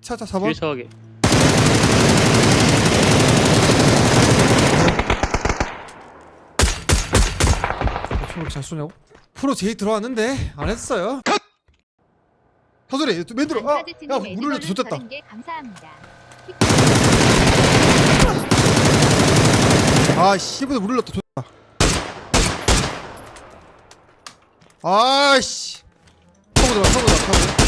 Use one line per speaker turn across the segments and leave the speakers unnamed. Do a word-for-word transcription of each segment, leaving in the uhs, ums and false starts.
차차 사 번.
뒤에 차가게.
총을 잘 쏘냐고? 프로 제이 들어왔는데 안 했어요. 컷! 서소리 맨 들어. 아, 야, 물 흘려 좋댔다. 아, 씨부터 물 흘렸다. 좋다. 아씨. 타고 들어, 타고 들어, 타고.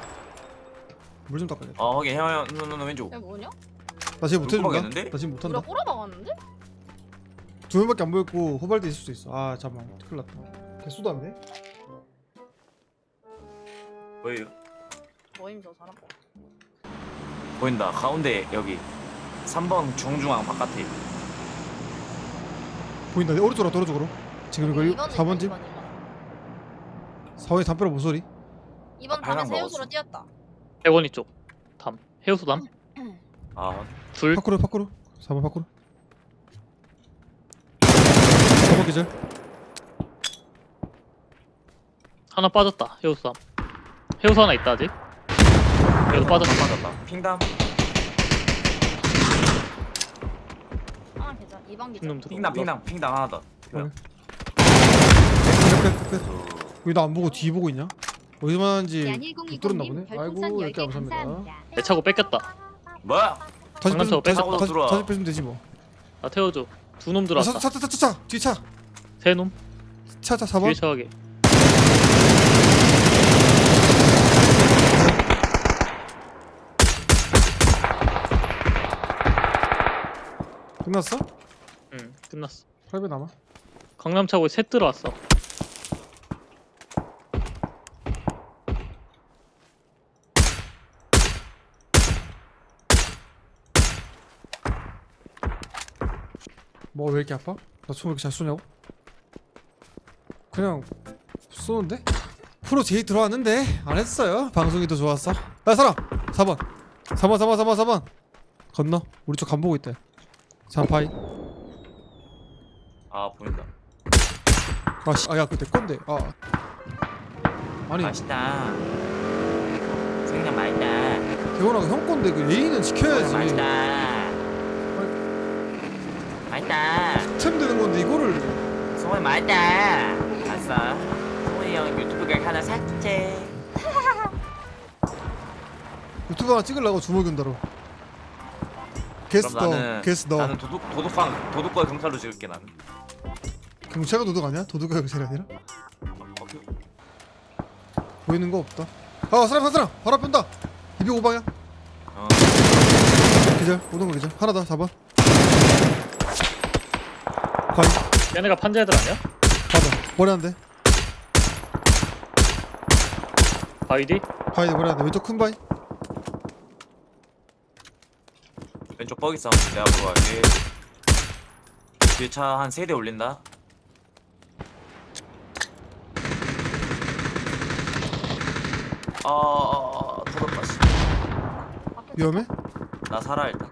물 좀 닦아야 돼.
어 확인 형형 너 왼쪽.
야 뭐냐?
나 지금 못 해준다.
꼬박이었는데?
나 지금 못 한다.
우리가 꼬라박았는데?
두 명밖에 안 보였고 호발대 있을 수도 있어. 아, 잠깐만. 큰일 났다. 개수도 안 돼?
뭐예요?
뭐임 저 사람?
보인다. 가운데 여기 삼 번 중중앙 바깥에.
보인다. 내 오른쪽으로 오른쪽으로. 지금 이거
이번은
사 번 집.
이번, 이번.
사 번에 담벼락 모서리.
이번
아,
밤에
빨간
새우수로
먹었어.
뛰었다.
백원이 쪽. 담. 해우수 담.
아
둘.
파쿠르 파쿠르. 사 번 파쿠르. 사 번 기절.
하나 빠졌다. 해우수 담. 해우수 하나 있다 아직. 그래도 빠졌다.
맞았다. 핑담.
아 괜찮아. 이번 기절.
놈 들어.
핑담 핑담 핑담 하나 더.
그래. 끝, 끝, 끝. 왜 나 안 보고 뒤 보고 있냐? 어디서 만났는지 못 들었나 보네. 아이고, 이렇게 감사합니다.
내 차고 뺏겼다.
뭐야?
다시
장난쳐,
뺏으면 다시,
뺏어.
다시,
들어와.
다시 뺏으면 되지 뭐.
나 태워줘. 두 놈
아,
들어왔다.
차, 차, 차, 차, 차, 뒤 차,
세 놈.
차, 차, 사 번.
뒤에 차가게.
끝났어?
응. 끝났어.
팔 배 남아.
강남 차고에 셋 들어왔어.
뭐 왜 이렇게 아파? 나 총 왜 이렇게 잘 쏘냐고? 그냥 쏘는데? 프로 제이 들어왔는데 안 했어요. 방송이 더 좋았어. 야, 사람! 사 번. 사 번, 사 번, 사 번, 사 번. 건너. 우리 쪽 간 보고 있대. 삼파이.
아 보인다.
아, 씨. 아, 야, 그거 내 건데. 아. 아니,
맛있다. 생강 맛있다.
개원아가 형 건데 그 예의는 지켜야지.
맛있다. 맛있다.
스템 되는 건데 이거를.
소원이 맛있다. 알았어. 소원이 형 유튜브 각 하나 삭제.
유튜브 하나 찍으려고 주먹 연다로. 게스트
그럼
너,
나는
게스트 너.
나는 도둑 도둑방 도둑과 경찰로 찍을게 나는.
경찰가 도둑 아니야? 도둑가 경찰이 아니라?
오케이.
보이는 거 없다. 아, 사람, 사람, 사람! 바로 앞에 온다! 이백오 방향.
어.
기절, 오는 거 기절. 하나 더, 사 번. 바위,
얘네가 판자 애들 아니야?
사 번. 머리 한 대.
바이디?
바위, 머리 한 대. 왼쪽 큰 바위.
왼쪽 버기 싸움 내가 보러 갈게. 뒤에 차 한 세 대 올린다. 어, 어, 어, 터졌다 씨.
위험해?
나 살아 일단.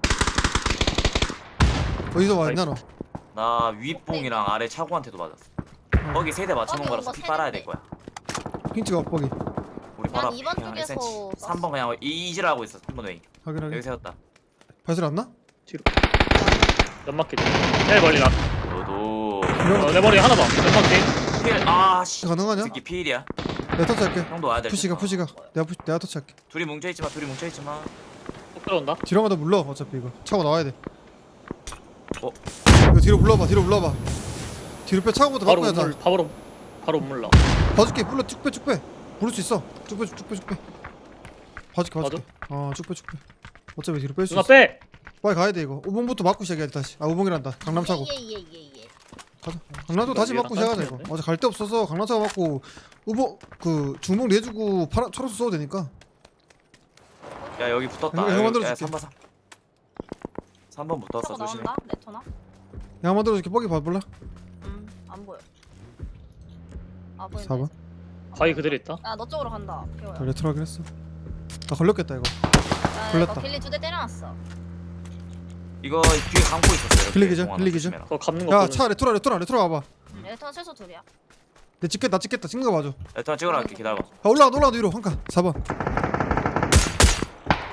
어디서 왔냐, 너?
나 윗봉이랑 아래 차고한테도 맞았어. 버기 세 대 맞춰놓은
버기
거라서
온거
피 빨아야
세
될 거야.
핑 찍어, 뻑이.
우리
난
바로 앞에
이번
그냥 일
쪽에서
센티미터. 삼 번 그냥 이지를 하고 있어. 삼 번 웨이.
확인하게.
여기 세웠다.
발소리 안 나?
뒤로. 연막기. 제일 멀리 나.
너도
어, 내 머리 하나 봐. 연막기.
필. 아 씨.
가능하냐?
새끼 필이야.
내가 터치할게.
형도 와야 될
푸시가,
텐데.
푸시가. 내가 푸시, 내가 터치할게.
둘이 뭉쳐있지 마. 둘이 뭉쳐있지 마.
꼭 들어온다.
뒤로 가다 물러, 어차피 이거. 차고 나와야 돼.
어?
이거 뒤로 불러봐, 뒤로 불러봐. 뒤로 빼, 차고부터
바로
바꿔야
물,
돼.
바로 바로 물러.
봐줄게, 불러, 쭉 빼, 쭉 빼. 부를 수 있어. 쭉 빼, 쭉 빼, 쭉 빼. 봐줄게, 봐줄게. 어, 쭉 빼, 쭉 빼. 어차피 뒤로 뺄 수
누나
있어.
빼.
빨리 가야 돼 이거. 우봉부터 맞고 시작해야 돼 다시. 아, 우봉이란다. 강남 차고.
예예예예.
가자. 강남도 다시 맞고 시작하자 이거. 어제 갈 데 없어서 강남 차고 맞고 우봉 그 중봉 내주고 파란 초록색 써도 되니까.
야 여기 붙었다.
형, 형
여기,
만들어줄게.
야, 삼 번 삼. 삼 번 붙었어.
차고
조심해.
나온다. 레터나?
양 만들어줄게. 뻑이 봐볼라.
음안 보여. 아 보인다.
사 번.
바위 그대로 있다.
야너 쪽으로 간다. 태호야.
자, 레트로 하긴 했어. 나 걸렸겠다 이거.
야,
걸렸다.
너 빌리 두 대 때려놨어.
이거 뒤에 감고 있었어. 이렇게.
빌리기죠?
공항
빌리기죠?
조심해라.
그거 감는 거
야,
보면
차 레트로 레트로 레트로 와봐.
응, 레터나 최소 둘이야.
내 찍겠다 찍겠다 찍는 거 봐줘.
일단 찍으러 갈게. 기다려봐.
아, 올라가 올라가 위로 한 칸. 사 번.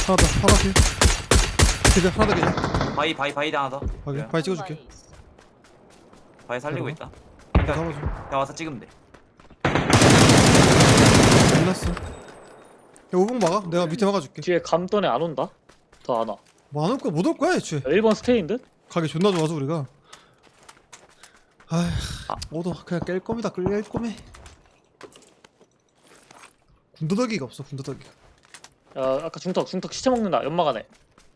하나 더 하나 더 기절 하나 더 기절
바이 바이 바이 하나 더.
확인
그래.
바위 찍어줄게
바위 있어.
바이 살리고
들어가.
있다.
잡아줘
그냥 와서 찍으면 돼.
끝났어 야 오봉 막아 내가 밑에 막아줄게
뒤에 감돈에 안 온다? 더 안 와.
뭐 안 올 거야 못 올 거야 애초에
야, 일 번 스테이인 듯?
가게 존나 좋아서 우리가 아휴
아.
오도 그냥 깰 겁니다 깰 거매 군더더기가 없어 군더더기가
야 아까 중턱 중턱 시체 먹는다 연막 안에.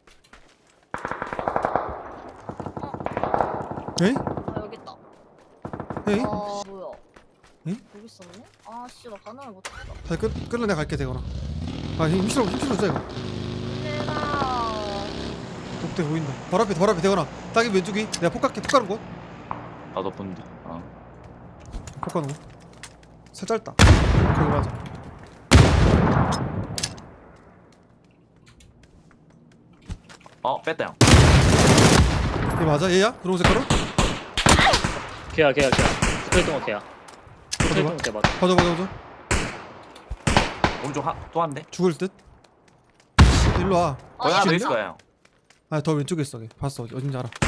에이?
아 여기 있다.
에이?
아 뭐야?
응?
여기 있었네? 아씨 나 반응을 못했다.
다시 끝, 끌려 내가 갈게 되거나 아 힘- 힘실어 힘실어 줘 이거
얘들아.
독대 보인다 바로 앞에 바로 앞에 되거나 딱이 왼쪽이 내가 폭 갈게 폭 가는 곳
나도 본다. 어.
폭 가는 곳 살짝 짧다 거기 맞아
어 뺐다 형.
얘 맞아 얘야? 분홍색 가루?
걔야 걔야 걔야. 스트레이트 건 걔야. 스트레이트 건 걔 맞아.
봐줘 봐줘 봐줘
오른쪽 한또 한 대.
죽을 듯 일로 와
거기
아,
하나 더
얘
있을 거야 형.
아 더 왼쪽에 있어 걔 봤어 어디- 어딘지 알아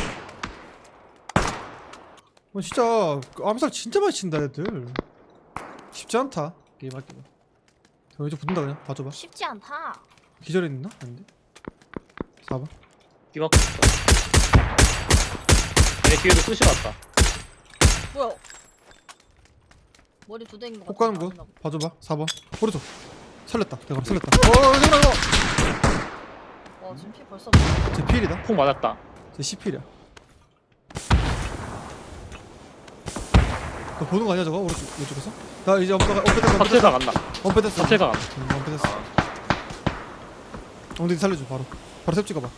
어 진짜 그 암살 진짜 많이 친다 애들 쉽지 않다 게임 하기가 저 왼쪽 붙는다 그냥 봐줘봐
쉽지 않다.
기절해 있나? 아닌데 사 번
이만큼 있어. 얘 뒤에도 쑤시 왔다.
뭐야? 머리 두 대인 거
폭
같아.
가는 거 봐줘봐 사 번 오른쪽 살렸다 내가 살렸다 어 이거 이거
와 지금 피 벌써.
제 필이다
폭 맞았다.
제 십 필이야 너 보는 거 아니야 저거? 오른쪽 왼쪽에서? 나 이제 엄폐가 엄폐됐어
갑질각 안 나.
엄폐됐어
갑질각 안 나.
응 엄폐됐어 엉덩이 살려줘 바로 바로 탭 찍어봐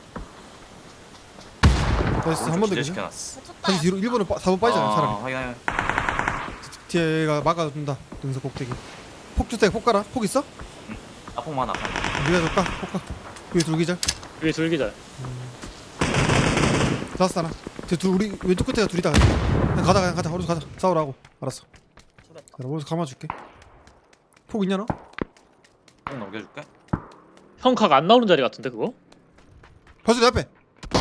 나이스 한 번 더
기절
기절
시켜놨어.
다시 뒤로 일 번을 사 번 빠지잖아 사람이
확인 확인.
뒤에가 막아준다 능선 꼭대기 폭 주택 폭 가라 폭 있어?
아폭만 아파.
네가 줄까? 폭 가. 위에 둘기절
위에 줄기절.
잡았어 하나 쟤둘 우리 왼쪽 끝에가 둘이다 그냥 가자 그냥 가자 오른쪽 가자 싸우라고 알았어
줄였다.
자 오른쪽 감아줄게 폭 있냐 너?
형 넘겨줄게.
형 각 안 나오는 자리 같은데 그거?
벌써 내 앞에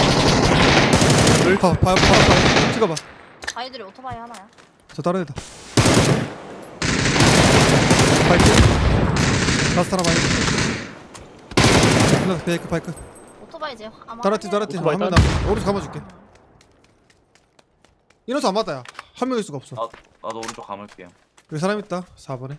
을?
봐 봐 봐 봐 찍어봐
바위들이 오토바이 하나야.
저 다른 애다 바이크 라스트 하나 바이크 끝났어 베이크 바이크
오토바이 이제 아마.
다른 팀 다른 팀
오토바이
한명
다른
남아 오른쪽 감아줄게 이노수 안 맞다 야 한 명일 수가 없어
아 나도 오른쪽 감을게요.
여기 사람 있다 사 번에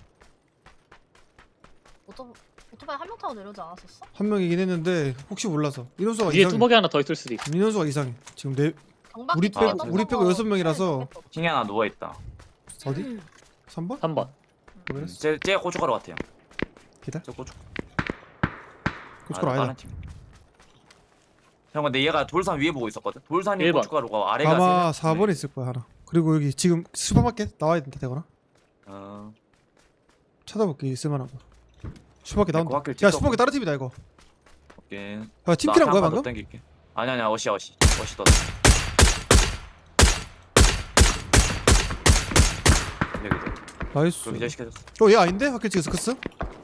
오토 오토바이 한 명 타고 내려오지 않았었어?
한 명이긴 했는데 혹시 몰라서 인원수가
위에
이상해
뚜벅이 하나 더 있을 수도 있어.
인원수가 이상해 지금 네
경박
우리
빼고-
떴던
우리 빼고
거
여섯 명이라서.
킹이 하나 누워 있다.
어디? 삼 번?
삼 번.
모르겠어
쟤, 쟤 고춧가루 같아요.
기다
저 고춧.
고춧가루
아,
아니다
다른 팀. 형 근데 얘가 돌산 위에 보고 있었거든. 돌산이
일 번.
고춧가루가 아래가.
아마
세-
사 번에 있을 거야 하나 그리고 여기 지금 슈퍼마켓 나와야 된다 되거나
어.
찾아볼게 있을만한 거 슈퍼마켓
네,
나온다
고학교
야
찍어.
슈퍼마켓 다른 팀이다 이거
오케이.
야 팀키란 거야 방금?
땡길게. 아니 아니야 어시야 어시. 어시 떴. 여기
나이스
그 기절 시켜줬어.
어얘 아닌데? 학교 찍어서 크스?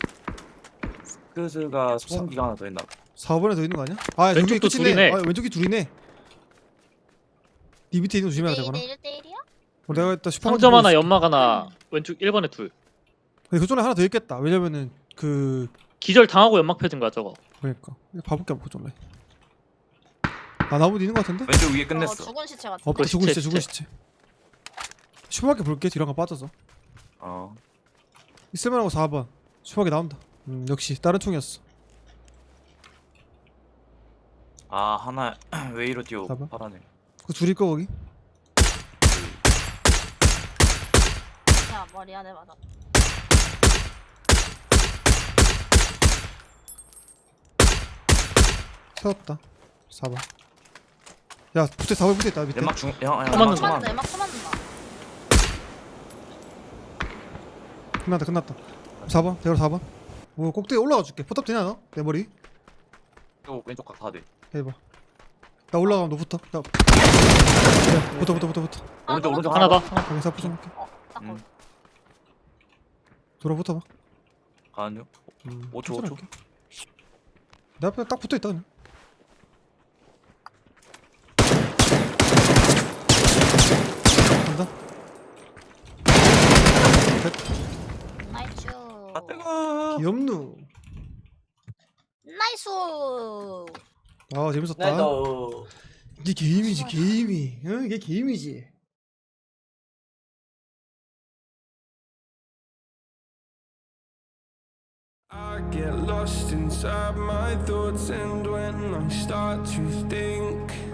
스크즈가 소음기가 하나 더 있나? 봐.
사 번에 더 있는 거 아니야? 아 저기
왼쪽도
끝이네
둘이네.
아 왼쪽이 둘이네 니 밑에 있는 거 조심해야 되거나
일 대 일 이야?
어, 내가 일단 슈퍼마켓
상점
보고
하나
있을게.
연막 하나 왼쪽 일 번에 둘.
근데 그쪽에 하나 더 있겠다 왜냐면은 그
기절 당하고 연막 펴진 거야 저거.
그러니까 봐볼게 한번 그쪽에 아 나무도 있는 거 같은데?
왼쪽 위에
어,
끝냈어.
죽은 시체 같아.
없다
그
죽은
시체,
시체 죽은 시체 슈퍼마켓 볼게 뒤로 한가 빠져서
어.
있을만하고 사 번 슈퍼마켓 나온다 음 역시 다른 총이었어
아 하나 왜 이로 뛰어
봐봐.
파라네.
그 둘일 거 거기?
야 머리 안에 맞아.
세웠다 사 번 야 붙어 사 번 붙어있다 밑에
연막 중 형. 형
맞는다.
연막
또 맞는다.
중.
엠마 또 맞는다.
끝났다 끝났다 사 번 대로 사 번 오 꼭대기 올라가 줄게 포탑 되냐 너? 내 머리
왼쪽 왼쪽 각 다 돼.
해봐 나 올라가면 너 붙어 나 그래 붙어 붙어 붙어 붙어
아,
오른쪽,
또
오른쪽
하나 더.
여기 사포 좀 할게
어, 딱
음.
거기.
돌아 붙어봐
가는 중.
음,
오 초,
천천히
오 초.
할게. 내 앞에 딱 붙어있다 그냥. 간다.
나이스.
아 뜨거.
귀엽누.
나이스.
아 재밌었다.
나도.
이게 게임이지 게임이. 응 이게 게임이지.
I get lost inside my thoughts, and when I start to think